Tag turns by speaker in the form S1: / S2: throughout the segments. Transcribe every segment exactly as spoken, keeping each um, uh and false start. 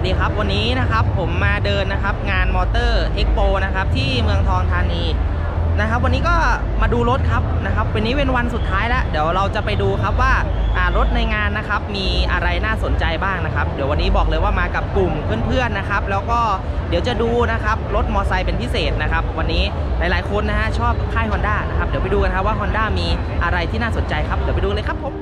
S1: ดีครับวันนี้นะครับผมมาเดินนะครับงานมอเตอร์เอ็กโปนะครับที่เมืองทองธานีนะครับวันนี้ก็มาดูรถครับนะครับวันนี้เป็นวันสุดท้ายแล้วเดี๋ยวเราจะไปดูครับว่ารถในงานนะครับมีอะไรน่าสนใจบ้างนะครับเดี๋ยววันนี้บอกเลยว่ามากับกลุ่มเพื่อนๆนะครับแล้วก็เดี๋ยวจะดูนะครับรถมอไซค์เป็นพิเศษนะครับวันนี้หลายๆคนนะฮะชอบค่าย Honda นะครับเดี๋ยวไปดูกันครับว่า Honda มีอะไรที่น่าสนใจครับเดี๋ยวไปดูเลยครับผม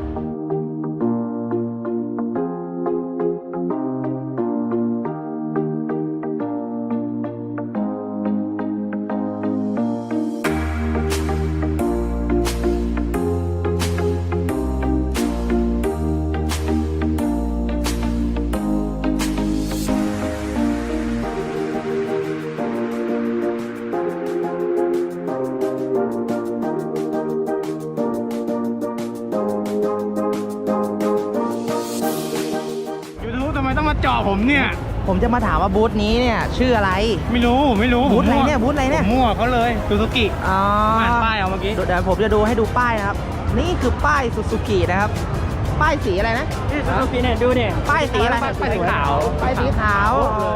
S2: ต้องมาเจาะผมเนี่ย
S1: ผมจะมาถามว่าบูธนี้เนี่ยชื่ออะไร
S2: ไม่รู้ไม่รู้
S1: บูธอะไรเนี่ยบูธอะไรเนี่ย
S2: มั่วเขาเลยซูซูกิ
S1: อ๋อ
S2: อ่านป้ายเอาเมื่อกี้
S1: เดี๋ยวผมจะดูให้ดูป้ายนะครับนี่คือป้ายซูซูกินะครับป้ายสีอะไรนะ
S2: ซูซูกิเนี่ยดูเนี่ย
S1: ป้ายสีอะไร
S2: ป้ายสีขาว
S1: ป้ายสีขาว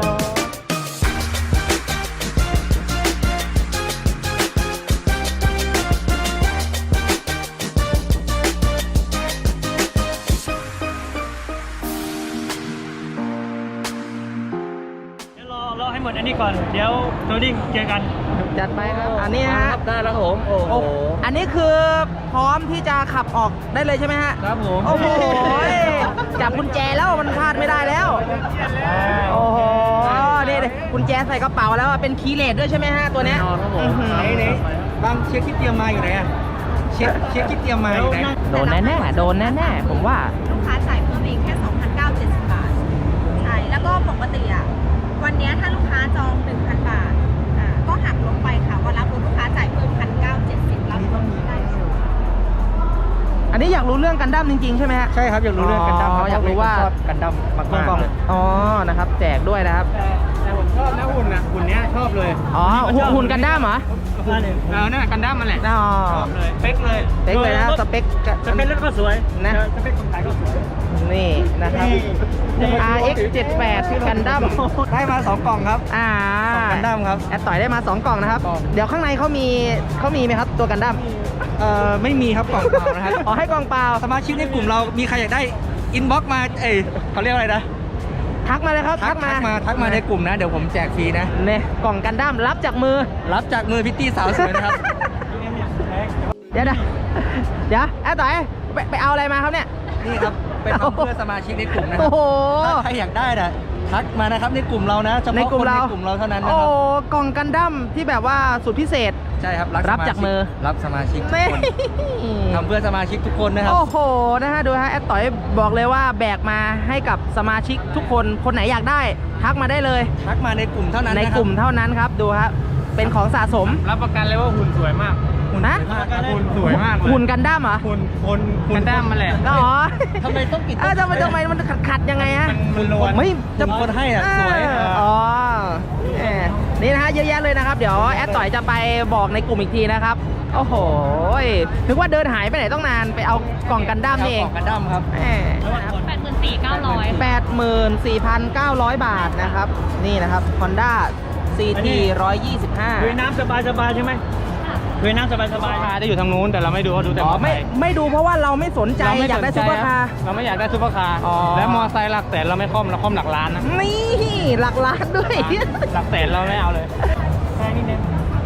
S2: รอให้หมดอันนี้ก่อนเดี๋ยวโทรดิ้งเจอกัน
S1: จัดไปครับอันนี้ฮะ
S2: ได้แล้วผมโอ้โห
S1: อันนี้คือพร้อมที่จะขับออกได้เลยใช่ไหมฮะ
S2: ครับผม
S1: โอ้โหจับกุญแจแล้วมันพลาดไม่ได้แล้วโอ้โหนี่กุญแจใส่กระเป๋าแล้วเป็นคีย์เลสด้วยใช่ไหมฮะตัวเนี้ย
S2: ครับผมไหนไหนบางเช็คที่เตรียมมาอยู่ไหนอะเช็คเช็คที่เตรียมมาอยู่ไหน
S1: โดนแน่ๆโดนแน่ๆผมว่า
S3: ลูกค้าจ่ายเพิ่มเองแค่ สองพันเก้าร้อยเจ็ดสิบ บาทใช่แล้วก็ปกติอ่ะวันนี้ถ้าลูกค้าจอง หนึ่งพัน บาทอ่าก็หักลงไปค่ะวันรับรถลูกค้าจ่ายเพิ่ม หนึ่งพันเก้าร้อยเจ็ดสิบ รับรถได้
S1: อันนี้อยากรู้เรื่องกันดั้มจริงๆใช่ไหมฮะ
S2: ใช่ครับอยากรู้เรื่องกันดั้ม
S1: อยากรู้ว่า
S2: กันดั้มมากๆเลย
S1: อ๋อนะครับแจกด้วยนะครับ
S2: แต่ผมชอบนะหุ่นนะหุ่นเนี้ยชอบเลย
S1: อ๋อหุ่นกันดั้มเหรอ
S2: เออนั่นกันดั้มมันแหละ
S1: อ๋อ
S2: ชอบเลยสเปคเลย
S1: สเปคเลยนะสเปค
S2: สเปครถก็สวย
S1: นะ
S2: สเปคคนขายก็สวย
S1: นี่นะครับ อาร์ เอ็กซ์ เจ็ดสิบแปด กันดั้ม
S2: ได้มาสองกล่องครับ
S1: อ่า
S2: กันดั้มครับ
S1: แอดต่อยได้มาสองกล่องนะครับเดี๋ยวข้างในเขามีเขามีไหมครับตัวกันดั้ม
S2: เอ่อไม่มีครับกล่องเปล่านะครับ
S1: อ๋อให้กล่องเปล่า
S2: สมาชิกในกลุ่มเรามีใครอยากได้อินบ็อกซ์มาเอ้ยเขาเรียกอะไรนะ
S1: ทักมาเลยครับ
S2: ทักมาทักมาในกลุ่มนะเดี๋ยวผมแจกฟรีนะ
S1: เนี่ยกล่องกันดั้มรับจากมือ
S2: รับจากมือพิตตี้สาวสวยนะครับ
S1: เดี๋ยวนะเดี๋ยวแอดต่อยไปไปเอาอะไรมาครับเนี่ย
S2: นี่ครับเป็นเพื่อสมาชิกในกลุ่มนะครั
S1: โอ้โห
S2: ถ้าใครอยากได้นะทักมานะครับในกลุ่มเรานะเฉพาะคนในกลุ่มเราเท่านั้นนะครับ
S1: โอ้กล่องกันดั้มที่แบบว่าสุดพิเศษ
S2: ใช่ครับ
S1: รับจากมือ
S2: รับสมาชิกทุกคนทำเพื่อสมาชิกทุกคนนะครับ
S1: โอ้โหนะฮะดูฮะแอดต่อยบอกเลยว่าแบกมาให้กับสมาชิกทุกคนคนไหนอยากได้ทักมาได้เลย
S2: ทักมาในกลุ่มเท่านั้น
S1: ในกลุ่มเท่านั้นครับดูฮะเป็นของสะสม
S2: รับประกันเลยว่าหุ่นสวยมาก
S1: นะ
S2: หุ่นสวยมาก
S1: หุ่นกันดั้มเหรอ
S2: หุ่นคนกันดั้มมันแหละ
S1: อ๋อ
S2: ทำไมต้องปิด
S1: เออทำไมทำไมมันขัดขัดยังไงฮะ
S2: มันล้วน
S1: ไม่
S2: จะคนให้อ่ะสวย
S1: อ๋อนี่นะฮะเยอะแยะเลยนะครับเดี๋ยวแอดต่อยจะไปบอกในกลุ่มอีกทีนะครับโอ้โหนึกว่าเดินหายไปไหนต้องนานไปเอากล่องกันดั้มนี่เอง
S2: กล่องกันดั้มครับ
S3: แปดหมื่นสี่พันเก้าร้อย
S1: แปดหมื่นสี่พันเก้าร้อยบาทนะครับนี่นะครับ Honda ซี ที หนึ่งร้อยยี่สิบห้า
S2: ดูน้ำสบายสบายใช่ไหมดูน้ำสบายสบายจะอยู่ทางนู้นแต่เราไม่ดูดูแต่
S1: ไม่ไม่ดูเพราะว่าเราไม่สนใจอยากได้ซุปเปอร์คาร์
S2: เราไม่อยากได้ซุปเปอร์คาร์และมอไซค์หลักแสนเราไม่คล่อมเราคล่อมหลักล้านนะ
S1: นี่หลักล้านด้วย
S2: หลักแสนเราไม่เอาเลยแค่นี้เอง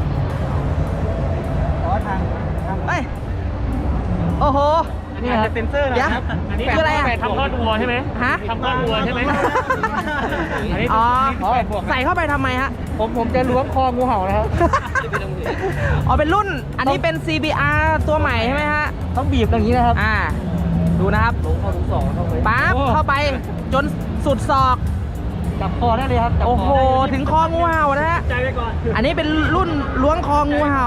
S2: ขอทาง
S1: ไปโอ้โห
S2: นี่ครับเซ็นเซอร์นะครับ
S1: อันนี้คืออะไรอ่ะ
S2: ทำก้อนวัวใช่ไหม
S1: ฮะ
S2: ทำก้อนวัวใช่ไหม
S1: อ๋อใส่เข้าไปทำไมฮะ
S2: ผมผมจะล้วงคองูเห่านะครับ
S1: อ๋อเป็นรุ่นอันนี้เป็น ซี บี อาร์ ตัวใหม่ใช่ไหมฮะ
S2: ต้องบีบอย่างนี้นะครับ
S1: อ่าดูนะครับ
S2: ลงเข้าถึงสองเข้าไป
S1: ปั๊บเข้าไปจนสุดศอก
S2: จับคอได้เลยครับ
S1: โอ้โหถึงคองูเห่านะฮะ
S2: ใจไปก่อน
S1: อันนี้เป็นรุ่นล้วงคองูเห่า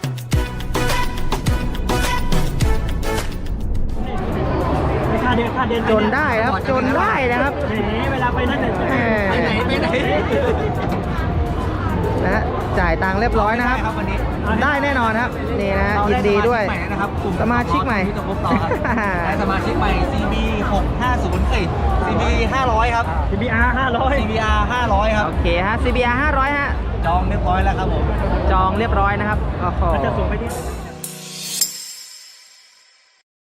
S2: ท่าเดียวท่าเดียว
S1: จนได้ครับจนได้นะครับ
S2: เวลาไปนั่นเลย
S1: แหม
S2: ไปไหนไปไหน
S1: นะฮะจ่ายตังค์เรียบร้อยนะครับ
S2: วันนี้
S1: ได้แน่นอนครับนี่นะฮะยินดีด้วย
S2: ใหม่นะครับกลุ่ม
S1: สมาชิกใหม่
S2: ที่จะพบต่อครับได้สมาชิกใหม่ ซี บี หกห้าศูนย์ เอ้ย ซี บี ห้าร้อยครับ ซี บี อาร์ ห้าร้อย ซี บี อาร์ ห้าร้อยครับ
S1: โอเคฮะ ซี บี อาร์ ห้าร้อยฮะ
S2: จองเรียบร้อยแล้วครับผม
S1: จองเรียบร้อยนะครับโอ้โห
S2: จะส่งไปที่